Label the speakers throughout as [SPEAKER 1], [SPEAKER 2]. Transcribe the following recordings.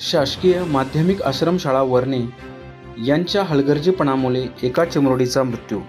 [SPEAKER 1] शासकीय माध्यमिक आश्रमशाळा वरणे यांच्या हलगर्जीपणामुळे एका चिमुरडीचा मृत्यू.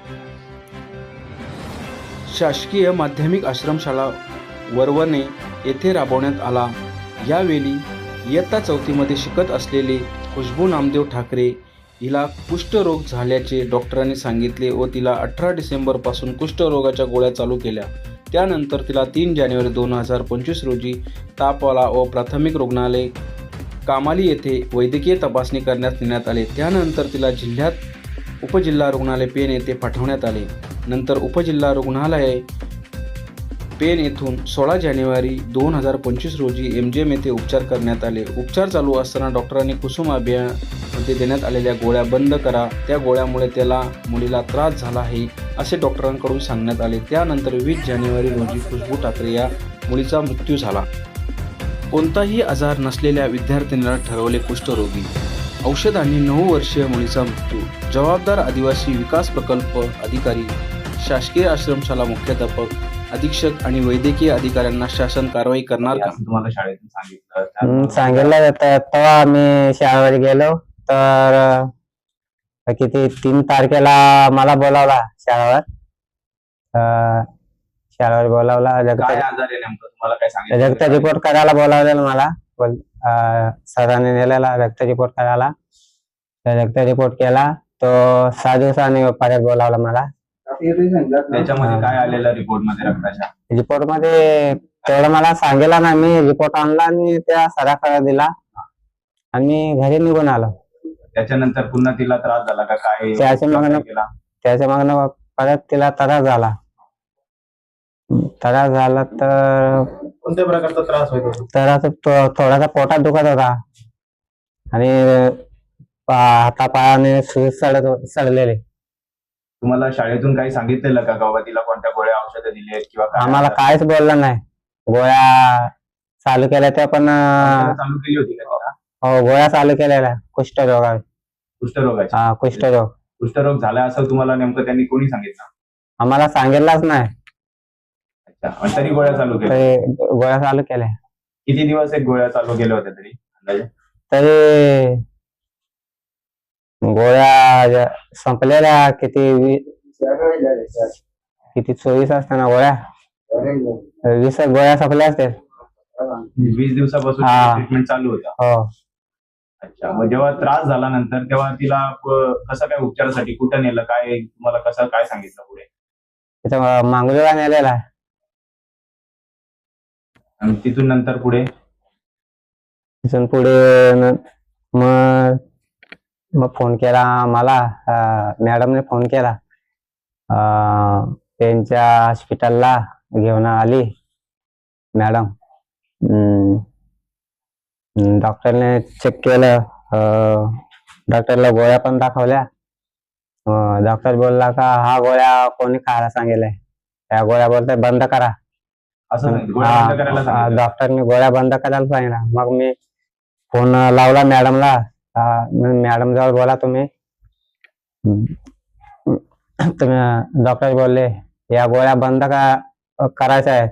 [SPEAKER 1] शासकीय माध्यमिक आश्रमशाळा वरवणे येथे राबवण्यात आला. यावेळी इयत्ता 4मध्ये शिकत असलेली खुशबू नामदेव ठाकरे हिला कुष्ठरोग झाल्याचे डॉक्टरांनी सांगितले व तिला 18 डिसेंबरपासून कुष्ठरोगाच्या गोळ्या चालू केल्या. त्यानंतर तिला 3 जानेवारी 2025 रोजी ताप आला व प्राथमिक रुग्णालय कामाली येथे वैद्यकीय तपासणी करण्यास नेण्यात आले. त्यानंतर तिला उपजिल्हा रुग्णालय पेण येथे पाठवण्यात आले. नंतर उपजिल्हा रुग्णालय पेण येथून 16 जानेवारी 2025 रोजी MGM येथे उपचार करण्यात आले. उपचार चालू असताना डॉक्टरांनी कुसुम अभियानामध्ये देण्यात आलेल्या गोळ्या बंद करा, त्या गोळ्यामुळे मुलीला त्रास झाला आहे असे डॉक्टरांकडून सांगण्यात आले. त्यानंतर 20 जानेवारी रोजी खुशबू ठाकरे या मुलीचा मृत्यू झाला. कोणताही आजार नसलेल्या विद्यार्थिनीला ठरवले कुष्ठरोगी. औषधांनी 9 वर्षीय मुलीचा मृत्यू. जबाबदार आदिवासी विकास प्रकल्प अधिकारी, शासकीय आश्रमशाला मुख्याध्यापक, अधीक्षक आणि वैद्यकीय अधिकाऱ्यांना शासन कारवाई करणार का?
[SPEAKER 2] तुम्हाला शाळेतून
[SPEAKER 3] सांगितलं जातं. तेव्हा आम्ही शाळेवर गेलो तर किती 3 तारखेला मला बोलावला शाळेवर. शाळेवर बोलावला,
[SPEAKER 2] काय आजार आहे नेमकं तुम्हाला काय सांगितलं?
[SPEAKER 3] रक्त रिपोर्ट करायला बोलावलेलं मला. सरांनी नेलेला रक्त रिपोर्ट करायला. रक्त रिपोर्ट केला तो 6 दिवसांनी परत बोलावला मला.
[SPEAKER 2] त्याच्यामध्ये काय आलेलं रिपोर्ट मध्ये रक्ताच्या?
[SPEAKER 3] रिपोर्ट मध्ये तेवढं मला सांगितलं ना. मी रिपोर्ट आणला आणि त्या सराकडे दिला आणि घरी निघून आलो.
[SPEAKER 2] त्याच्यानंतर पुन्हा तिला त्रास झाला का काय?
[SPEAKER 3] त्याच्या मागणं परत तिला त्रास झाला. तर
[SPEAKER 2] कोणत्या प्रकारचा त्रास होतो?
[SPEAKER 3] थोडासा पोटात दुखत होता आणि हातापायाने सुज सडलेले.
[SPEAKER 2] तुम्हाला शाळेतून काही सांगितलेलं का बाबा तिला कोणत्या गोळ्या औषधं दिली आहेत किंवा
[SPEAKER 3] आम्हाला काहीच बोललं नाही. गोळ्या चालू केल्या त्या पण
[SPEAKER 2] चालू केली होती का तिला?
[SPEAKER 3] हो, गोळ्या चालू केलेल्या कुष्ठरोगाची.
[SPEAKER 2] कुष्ठरोग कुष्ठरोग झाला असं तुम्हाला नेमकं त्यांनी कोणी सांगितलं?
[SPEAKER 3] आम्हाला सांगितलंच नाही.
[SPEAKER 2] अच्छा, तरी गोळ्या चालू केल्या?
[SPEAKER 3] गोळ्या चालू केल्या.
[SPEAKER 2] किती दिवस एक गोळ्या चालू केल्या होत्या तरी अंदाजे?
[SPEAKER 3] तरी गोळ्या संपलेल्या किती 24 असताना गोळ्या 20 गोळ्या संपल्या असतील.
[SPEAKER 2] 20 दिवसापासून ट्रीटमेंट चालू होता.
[SPEAKER 3] हो.
[SPEAKER 2] अच्छा, मग जेव्हा त्रास झाला नंतर तेव्हा तिला कसं काय उपचारासाठी कुठं नेलं, काय तुम्हाला कसं काय सांगितलं पुढे?
[SPEAKER 3] तिथं मांगुलीला नेलेला.
[SPEAKER 2] आणि तिथून नंतर पुढे
[SPEAKER 3] मग फोन केला मला. मॅडमने फोन केला. त्यांच्या हॉस्पिटलला घेऊन आली मॅडम. डॉक्टरने चेक केलं. डॉक्टरला गोळ्या पण दाखवल्या. डॉक्टर बोलला का हा गोळ्या कोणी खायला सांगितलंय, त्या गोळ्या बोलते बंद करा. डॉक्टरने गोळ्या बंद करायला सांगितलं. मग मी फोन लावला मॅडमला. मॅडम जवळ बोला तुम्ही. डॉक्टर बोलले या गोळ्या बंद करायच्या आहेत.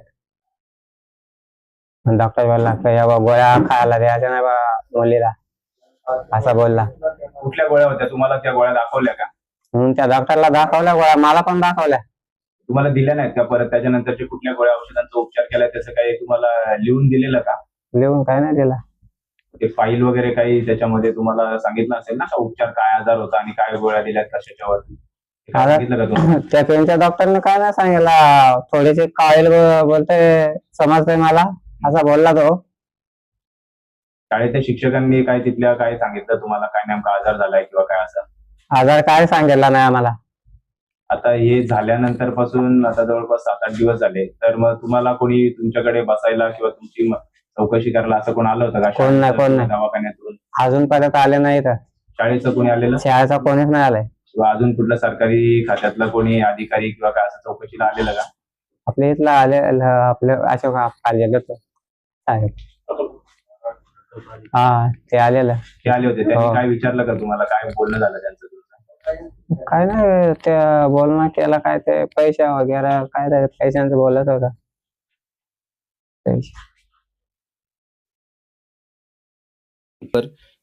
[SPEAKER 3] डॉक्टर बोलला या गोळ्या खायला द्यायच्या नाही बा मुलीला, असं बोलला.
[SPEAKER 2] कुठल्या गोळ्या होत्या? तुम्हाला त्या गोळ्या दाखवल्या का?
[SPEAKER 3] त्या डॉक्टरला दाखवल्या गोळ्या, मला पण दाखवल्या.
[SPEAKER 2] तुम्हाला दिल्या नाहीत का परत? त्याच्यानंतरचे कुठल्या गोळ्या औषधांचा उपचार केला त्याचं काही तुम्हाला लिहून दिलेलं का?
[SPEAKER 3] लिहून काय नाही दिला.
[SPEAKER 2] ते फाईल वगैरे काही त्याच्यामध्ये तुम्हाला सांगितलं असेल ना का उपचार काय आजार होता आणि काय गोळ्या दिल्यात कशाच्यावर?
[SPEAKER 3] त्या पेनच्या डॉक्टरने काय नाही सांगितलं. थोडेसे काळेल बोलते समजते मला, असा बोलला तो.
[SPEAKER 2] शाळेच्या शिक्षकांनी काय तिथल्या काय सांगितलं तुम्हाला, काय नेमका आजार झालाय किंवा काय असं?
[SPEAKER 3] आजार काय सांगितला नाही आम्हाला.
[SPEAKER 2] आता हे झाल्यानंतर पासून आता जवळपास 7-8 दिवस झाले, तर मग तुम्हाला कोणी तुमच्याकडे बसायला किंवा तुमची चौकशी करायला असं कोण आलं होतं का?
[SPEAKER 3] कोण नाही.
[SPEAKER 2] दवाखान्यातून
[SPEAKER 3] अजूनपर्यंत आले नाही. तर
[SPEAKER 2] शाळेचं कोणी आलेलं?
[SPEAKER 3] शाळेचा कोणीच नाही आलाय.
[SPEAKER 2] किंवा अजून कुठल्या सरकारी खात्यातला कोणी अधिकारी किंवा काय असं चौकशीला आलेलं का?
[SPEAKER 3] आपल्या इथला आले आपले अशोक साहेब. हा, ते आलेलं.
[SPEAKER 2] ते आले होते. त्यांनी काय विचारलं का तुम्हाला? काय बोलणं झालं त्यांचं?
[SPEAKER 3] काय नाही, ते बोलणं केलं. काय ते पैसे वगैरे काय ते पैशांचं बोलत होता. पैसे
[SPEAKER 1] तर